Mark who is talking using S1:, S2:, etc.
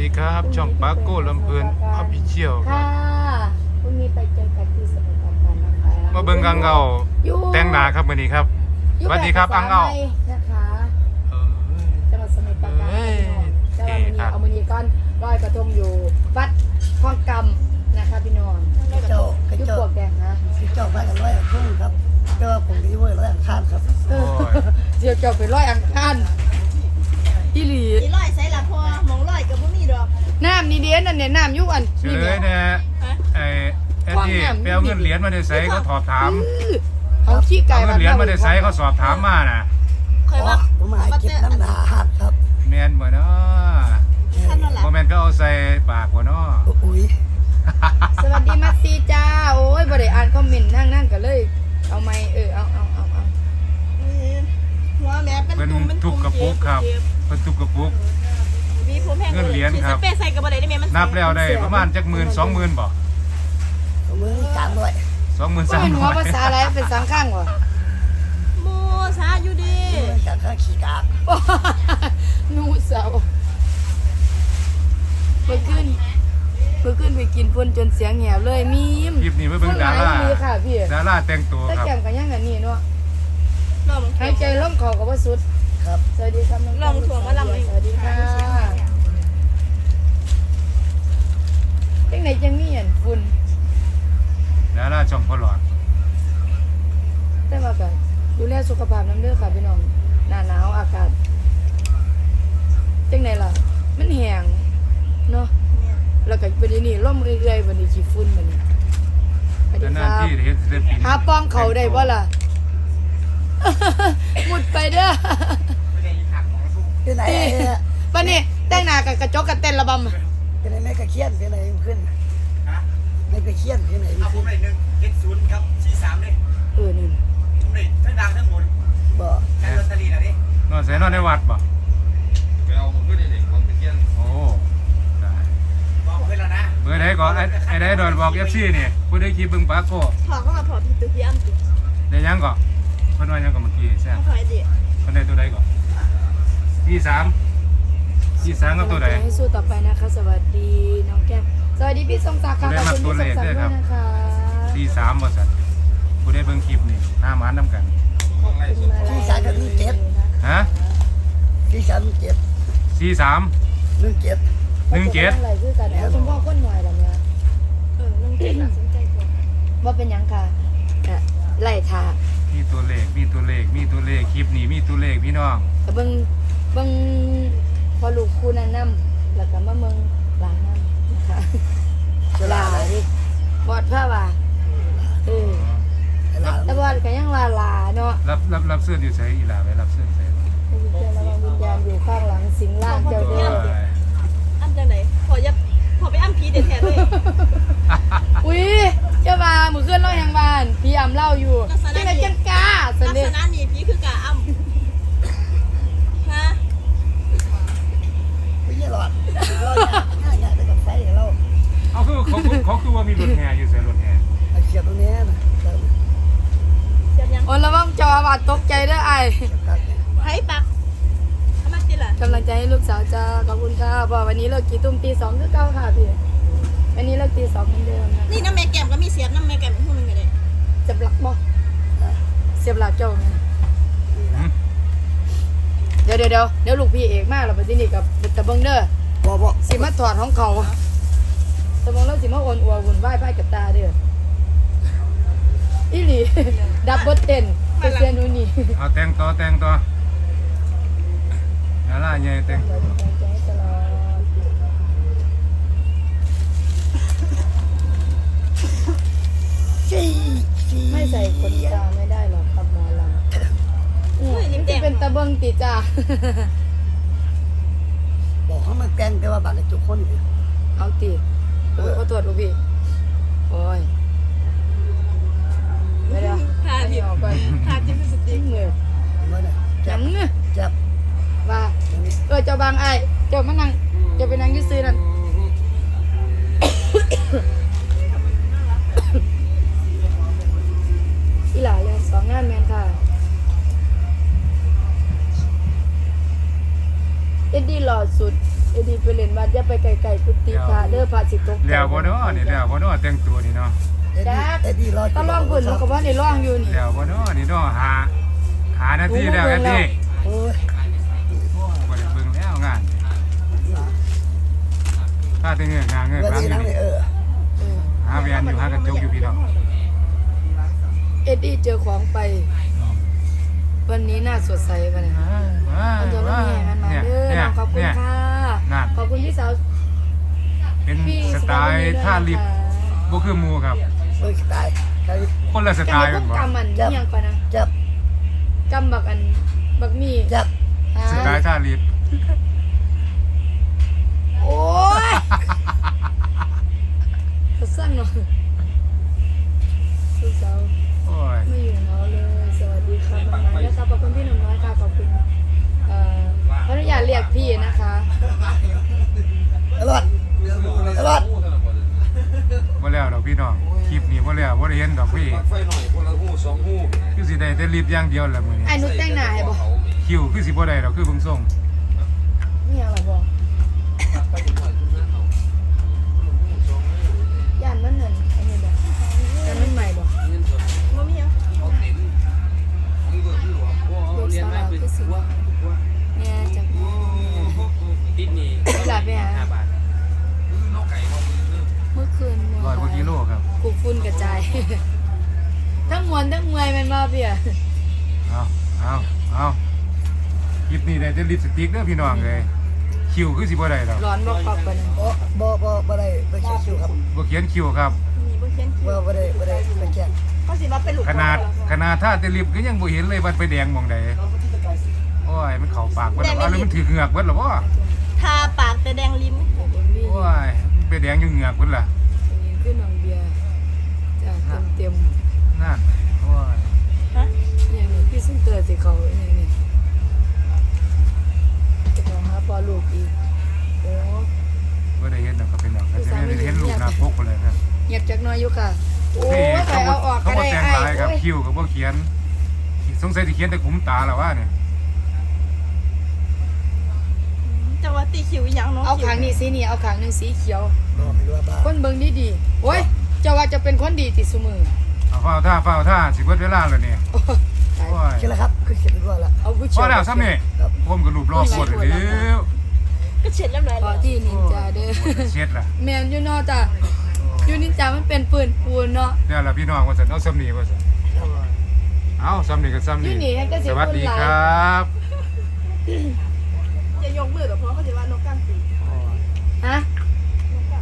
S1: ดีครับช่องปาโก้ลำเพลินออฟฟิเชียลครั
S2: ค่ะ
S1: บ
S2: พรุ่งนี้ไปเจอกันที่สมุทรปราการนะคะ
S1: มาเบิ่งอังเงาแต่งหน้าครับมื้อนี้ครับสวัสดีครับอังเงา
S2: นะคะ
S1: เออ
S2: จังหวัดสมุทรปราการ
S1: เอ้ย
S2: จังหวัดมือนี้เอามือนี้ก้อนลอยกระทงอยู่วัดคลองกำนะคะพี่น้อง
S3: กระโจกกระ
S2: ยุบ
S3: โจ
S2: ปว
S3: ก
S2: กแดงฮะ
S3: กระโจกมากันร้อยพุ่งครับก็ผมที่เว้ยร้อยอังคารครับ
S2: เออเดี๋ยวจะไปร้อยอังคารอีหลี
S4: อีร้อยใส่ละพอหมองร้อยกับบ่มีดอก
S2: น้ำนี่เดียนนั่นเนี่ยน้ำยุอัน
S1: เฉ
S2: นี่
S1: ล
S2: เนี่ย
S1: ยเนี่ยไอ้ที่ไปเอาเงินเหรียญมาได้ไสเขาถอบถาม
S2: เขาขี้ไก่
S1: เอาเงินเหรียญมาได้ไสเขาสอบถามมาน่ะ
S4: เคยว่า
S3: ผมมาเก็บน้ำหนาหัดครับ
S1: แม่นบ่เนาะ
S4: ท่านนั่นล่ะ
S1: บ่แม่นก็เอาใส่ปากบ่เนาะ
S3: อุ้ย
S2: สวัสดีมัสซีจ้าโอ้ยบ่ได้อ่านคอมเมนต์นั่งกันเลย เอาไหมเอา
S4: หัวแม่เป็น
S1: เพิ่น
S4: ตุ่มเป็น
S1: ทุ
S4: ตุ่
S1: บ
S4: ม
S1: กระปุกครับเพิ่นทุบกระปุก
S4: มีผมแห้ง
S1: เงินเหรียญครับ
S4: สเปรย์ใส่กับบ่ได้ได้แม่มัน
S1: นับแล้วได้ประมาณจัก10,000 20,000บ่
S3: ผมมือสามร้อย
S1: 20,000
S2: ก็เป็นหัวภาษาอะไรเป็นสังข้างวะ
S4: โมซาอยู่ดี
S3: มือจากข้าขี่กาก
S2: นูเสาเมื่อคืนไปกินพุ่นจนเสียงแหบเลยมีม
S1: คลิปนี้มาเบิ่งดารา
S2: ดีค่ะพี่
S1: ดาราแต่งตัว
S2: ตะ
S1: ครับ
S2: แกมกันยังกันนี่เนาะ
S4: ลอง
S2: หายใจล่มคอกับว่าสุด
S3: ครับ
S2: สวัสดีครับน้อง
S4: ลองถ่วงมาลำเลย
S2: สวัสดีค่ะจังไหนจังมีอันฝุ่น
S1: ดาราช่องพอหลอด
S2: แต่ว่าก็ดูแลสุขภาพน้ำเด้อค่ะพี่น้องหน้าหนาวอากาศจังไหนล่ะมันแห้งเนาะแล้วก็เป็นนี่ร่มเรื่อยๆวันนี้ขี้ฝุ่นมันสวัสดี
S1: นาน
S2: ครับ
S1: ๆที่ได้เห็นศิลปิน
S2: หาป้องเขาได้บ่ล่ะ มุดไปเด้อ
S3: ที่ไหน
S2: วันนี้แต่งหน้ากับกระจกกับเต้นระบำ
S3: ที่ไหนไม่กระเคียนที่ไหนขึ้นไม่กระเคียนที่ไหน
S5: เอาผ
S3: ขึ้
S5: ม
S3: น
S5: ได้170ครับ43เลย
S2: นี่
S5: ผมได้ทั้งดังทั้งหมด
S3: บ่
S5: แค่ลอตเตอรี่น่ะดิ
S1: นอนใส่นอนในวัดบ่
S5: ไปเอาผมก็ได้เด็กของตะเกียน
S1: โอ้ได้
S5: บอกเพิ่นแล้วนะ
S1: เบอร์ไหนก่อนไอ้ไหนดอนบอก FC นี่ผู้ได้ขี่เบิ่งปาโก้
S4: ถอดก็มาถอดผิดตัวพี่อ้ำติ
S1: ได้ยังก่อนเพิ่นว่ายังก่อนเมื่อกี้ใช่
S4: ต้องถอยดิ
S1: เพิ่นได้ตัวใดก่อน23กับตัวใด
S2: ให้สู้ต่อไปนะคะ สวัสดีน้องแก้มสวัสดีพี่ทรงศักดิ์ค่ะขอบคุณพี่ทรงศักดิ์ด้วยนะคะ
S1: 43บ่ซั่นผู้ได้เบิ่งคลิปนี่หน้าหมานนํกัน
S2: ขอบคุณมาลัย
S3: ที่สามกับ1 7
S1: ฮะ
S3: ที่สาม7
S1: 43
S3: 1 7
S2: อะไรคือกันเอาคุณพ่อก้นหน่อยแบบเนี้ย
S4: นั่งเก็บน่าสนใจกว่า
S2: ว่าเป็นยังค่ะไล่ทา
S1: มีตัวเลขคลิปนี้มีตัวเลขพี่น้อง
S2: แต่เบิ่งพอลูกคู่นั้นนำแล้วก็มาเมืองหลานนำนะคะลาดิบอดผ้าว่าแต่บอดก็ยังว่าลาเนาะ
S1: รับเสื้ออยู่ไสอีหล่าไปรับเสื้อไส
S2: วิญญาณระวังวิญญาณอยู่ข้างหลังสิงล่างเจ้าเด้อ
S4: อ้ำจังไหนพอไปอ้ำผีเด็ดแท้เลย
S2: อุ้ยเจ้าว่ามือเคลื่อนเล่ายังบ้านพี่อ่ำเล่าอยู่จังไงจังกาส
S4: ลัก
S2: นิท
S4: ษณะนี้ผีคือกะอ้ำฮะ
S3: ไม่ใช่หลอดเราอยากไปกับไฟเรา
S1: เขาคือว่ามีรถแห่อยู่ไสรถแห่
S3: เขียนตรงนี้นะ
S4: เสียบยัง
S2: โอ้ระวังจอบาดตกใจเด้อไอ้
S4: ไผปักเอามาติล่ะ
S2: กำลังใจให้ลูกสาวจ้าขอบคุณค่ะเพราะวันนี้เลิกกี่ตุ้มตี2คือเก่าค่ะพี่วันนี้เลิกตี2เหมือนเดิมนะ
S4: นี่น้ำแม่แก้มก็มีเสียบน้ำแม่แก้มเป็นผู้หนึงก็ได้
S2: เสียบหลักบ่เสียบหลักเจ้าไงเดี๋ยวลูกพี่เอกมากเราไปที่นี่กับตะเบิงเด้อ
S3: บ่
S2: สิมาถอดของเขาตะเบิงแล้วสิมาโอนอัววุ่นวายไปกับตาเด้ออีหลี ดับเบิลเต้นเปอร์เซ็นต์นู่นนี่
S1: เอาแต่งต่อดาราใหญ่แต่ง
S2: ไม่ใส่ขนตาไม่ได้หรอกครับหมอลำจะเป็นตะเบิงติจ้า
S3: บอกเขามาแต่งแต่ว่าบางจุคน
S2: เอาตีโอ้ยขอตรวจลูกพี่โอ้ยไม่ได้
S4: ทา
S2: ไม่
S4: ผิด
S2: ออกไป
S4: ทาจิ้มสติ๊
S2: จิ้
S4: ก
S2: งเลย
S3: เมื่อไหร่
S2: จังเงือ
S3: จับ
S2: ว่าเจ้าบางไอ้เจ้ามานั่งเจ้าไปนั่งยืดซื้อนั่นอีหล่าเลย2 งานแมนค่ะเอ็ดดี้หล่อสุดเอ็ดดี้ไปเล่นวัดอย่าไปไกลๆกุฏิพระเด้อพระสิตก
S1: แล้วบ่เนาะนี่แล้วบ่เนาะแต่งตัวนี่เนาะ
S3: เอ็ดดี้รอ
S2: ตะล่องเพิ่นเขาก็ว่าได้ล่องอยู่นี่
S1: แล้วบ่เนาะนี่เนาะหานาทีแล้วแอดดี้
S3: โอ้ย
S1: บ่ได้เบิ่งแล้วงานถ้าแต่เงือกงานเงือก
S3: เว
S1: หลัง
S3: ที
S1: อยู่
S3: นั่ง
S1: นี่
S3: เลย
S1: หาแวนอยู่หากระจกอยู่พี่น้อง
S2: เอ็ดดี้เจอของไป วันนี้น่าสดใสป่ะเนี่ยมันจะไม่มีมันมาเด้อน้องขอบคุณค่ะขอบคุณพี่สาว
S1: เป็น
S2: พี่
S1: สไตล์ท่าลิฟต์บ่คือหมู่ครับ
S3: เฮ้ยตายใคร
S1: คนละสไตล์
S2: กั
S1: กัน นบ่
S2: กำมันยังก่อนนะ
S3: จับ
S2: กำบักอันบักมี
S3: จับ
S1: สไตล์ท่าลิฟต์
S2: โอ้ยเขาสั้นเนาะสุดสาว
S1: โอ้ย
S2: ไม่อยู่เนาะเลย สวัสดีค่ะน้องน้อยนะคะขอบคุณพี่หนุ่มน้อยค่ะขอบคุณขออนุญาตเรียกพี่นะคะ
S3: ตลอดตลอด
S1: บ่แล้วดอกพี่น้องคลิปนี้บ่แล้วบ่ได้เห็นดอกพี่
S5: ไฟหน่อยคนละหูสองหู
S1: คือสิได้แต่ลิฟต์อย่างเดียวแหละมื้อนี้
S2: ไอ้นุชแต่งหน้าให้บ่
S1: คิวคือสิบ่ได้ดอกคือเบิ่งส่ง
S2: นี่ยังหรอบ่ย่านมันนั่นอันนี้บ่ย่านมันใหม่บ่
S4: บ่มีหยัง
S2: เด็กสาวคือสิเนี่ยจาก
S5: ติดนี่
S2: หลานไปหา
S5: 5 บาทนอกไก่นอกมือ
S2: เมื่อคืน
S1: 100กว่ากิโลครับ
S2: กูฝุ่นกระจาย ทั้งมวนทั้งเมื่อยแมันบ่เพี่ย
S1: เอาคลิปนี้ได้แต่ลิปสติกเด้อพี่น้องเอ้ยคิวคือสิบ่ได้ดอก
S2: ร้อนบ่คอกปานนั้น
S3: บ่ได้ไปเช็คคิวครับ
S1: บ่เขียนคิวครับ
S4: มีบ่เขียนคิว
S3: บ่ได้ไปแจ้ง
S4: เขาสิว่าเป็นลูก
S1: ขนาดถ้าแต่ลิฟต์ก็ยังบ่เห็นเลยว่าไปแดงหม่องใดโอ้ยมันเข้าปากเบิดแล้วหรือมันถือเหงือกเบิดแล้วบ่
S4: ทาปากแต่แดงลิ้ม
S2: บ่มี
S1: โอ้ยมันไปแดงอยู่เหงือกเบิดล่ะ
S2: นี่คือน้องเบียร์จ้ะเต็ม
S1: นั่นโอ้ย
S4: ฮะ
S2: ๆอย่างนี้พี่ซุ่มเตอร์สิเขาอย่างนี้จะขอหาพอลูกอีกโอ้
S1: บ่ได้เห็นดอกก็เป็นดอกแต่ได้เห็นรูปหน้าปกเลยครับ
S2: เงียบจักหน้อยอยู่ค่ะโอ้ย
S1: นี่
S2: ไปเอาออก
S1: เขา
S2: ก็
S1: บ่
S2: ได้
S1: แต่ง
S2: ไอ้
S1: ลายครับ
S2: โอ้ย
S1: คิวก็บ่เขียนสงสัยสิเขียนแต่ขุมตาแล้วว่าเนี่ย
S4: จะว่าตีคิวอีหยังเนาะ
S2: เอาขางนี้สีนี่เอาขางหนึงสีเขียว
S3: บ่ไม่รู้ว่าบ้า
S2: คนเบิ่งดีๆโอ้ยเจ้าว่าจะเป็นคนดีติซุมือ
S1: เอาเฝ้าท่าสิเบิดเวลาแล้วนี่
S2: โอ้ยตาย
S1: โอ้ย
S3: คิดแล้วครับคือเขียนด้วยละ
S2: เอาผู้
S1: พ
S2: เชี่
S1: อ
S2: ยว
S1: แล้วซ้ำนี่
S3: ครับ
S1: ผมก็รูปรอบกดเลยเด้อ
S4: ก็เช็ดเรียบร้อย
S2: พอ
S4: แล้ว
S2: ที่นินจาเด้อ
S1: เช็ดล่ะ
S2: แมนอยู่เนอจ้ะอยู่นินจามันเป็นปืนปูนเนาะ
S1: เดี๋ยวล่ะพี่น้องว่าซั่นเอาซ้ำนี่ว่าซั่นเอาซ้ำนี่ก็ซ้ำ
S2: อยู่
S1: นี่
S2: นี่ให้ก็สิ
S1: สวัสดี
S2: คนหลาย
S1: ครับ
S4: อย่ายกมือกับเพราะเขาสิว่านกกลางปีก